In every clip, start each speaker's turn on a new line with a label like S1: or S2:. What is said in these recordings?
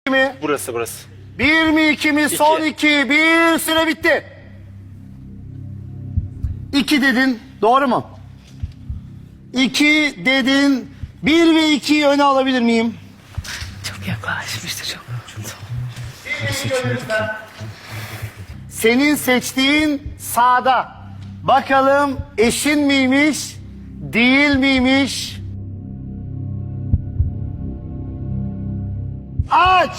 S1: mi?
S2: Burası.
S1: Bir mi iki mi? Son iki. Bir, süre bitti. İki dedin. Doğru mu? İki dedin. Bir ve ikiyi öne alabilir miyim?
S3: Çok yaklaşmıştı çok.
S1: Senin seçtiğin sağda. Bakalım eşin miymiş? Değil miymiş? Aç.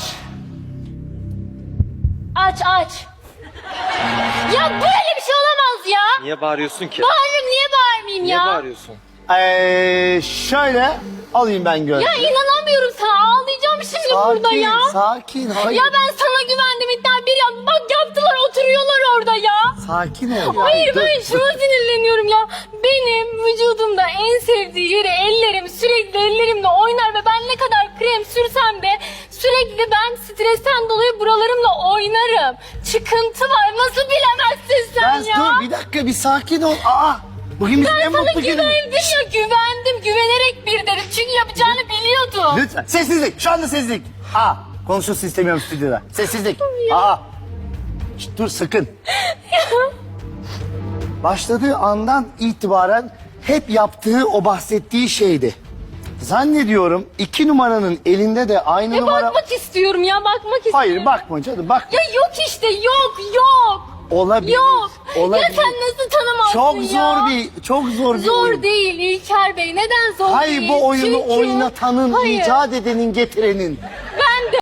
S4: Aç. Ya böyle bir şey olamaz ya.
S2: Niye bağırıyorsun ki?
S4: Bağırırım, niye bağırmayayım
S2: Niye
S4: ya?
S2: bağırıyorsun?
S1: Şöyle alayım ben gözlüğü.
S4: Ya inanamıyorum sana, ağlayacağım şimdi burada ya.
S1: Sakin. Hayır.
S4: Ya ben sana güvendim, iddia bir ya. Bak yaptılar, oturuyorlar orada ya.
S1: Sakin ol.
S4: Hayır,
S1: Dur,
S4: ben şuna sinirleniyorum ya. Benim vücudumda en sevdiği yeri ellerim, sürekli ellerimle oynar ve ben ne kadar krem sürsem de sürekli ben stresten dolayı buralarımla oynarım. Çıkıntı var, nasıl bilemezsin sen ya?
S1: Dur bir dakika, bir sakin ol. Bugün bizim en
S4: Ben sana
S1: mutlu günümüz.
S4: güvendim ya, güvendim. Güvenerek bir dedim. Çünkü yapacağını biliyordum.
S1: Lütfen sessizlik, şu anda sessizlik. Konuşulsun istemiyorum stüdyoda. Sessizlik. Şşt, dur sakın. Başladığı andan itibaren hep yaptığı o bahsettiği şeydi. Zannediyorum 2 numaranın elinde de aynı numara...
S4: Bakmak istiyorum ya, bakmak istiyorum.
S1: Hayır bakma canım, bakma.
S4: Ya yok işte, yok.
S1: Olabilir.
S4: Yok.
S1: Olabilir.
S4: Ya sen nasıl tanımazsın
S1: Çok
S4: ya?
S1: çok zor bir
S4: Zor
S1: oyun.
S4: değil İlker Bey. Neden zor
S1: Hayır,
S4: değil?
S1: bu oyunu
S4: Çünkü...
S1: oynatanın,
S4: Hayır.
S1: icat edenin, getirenin.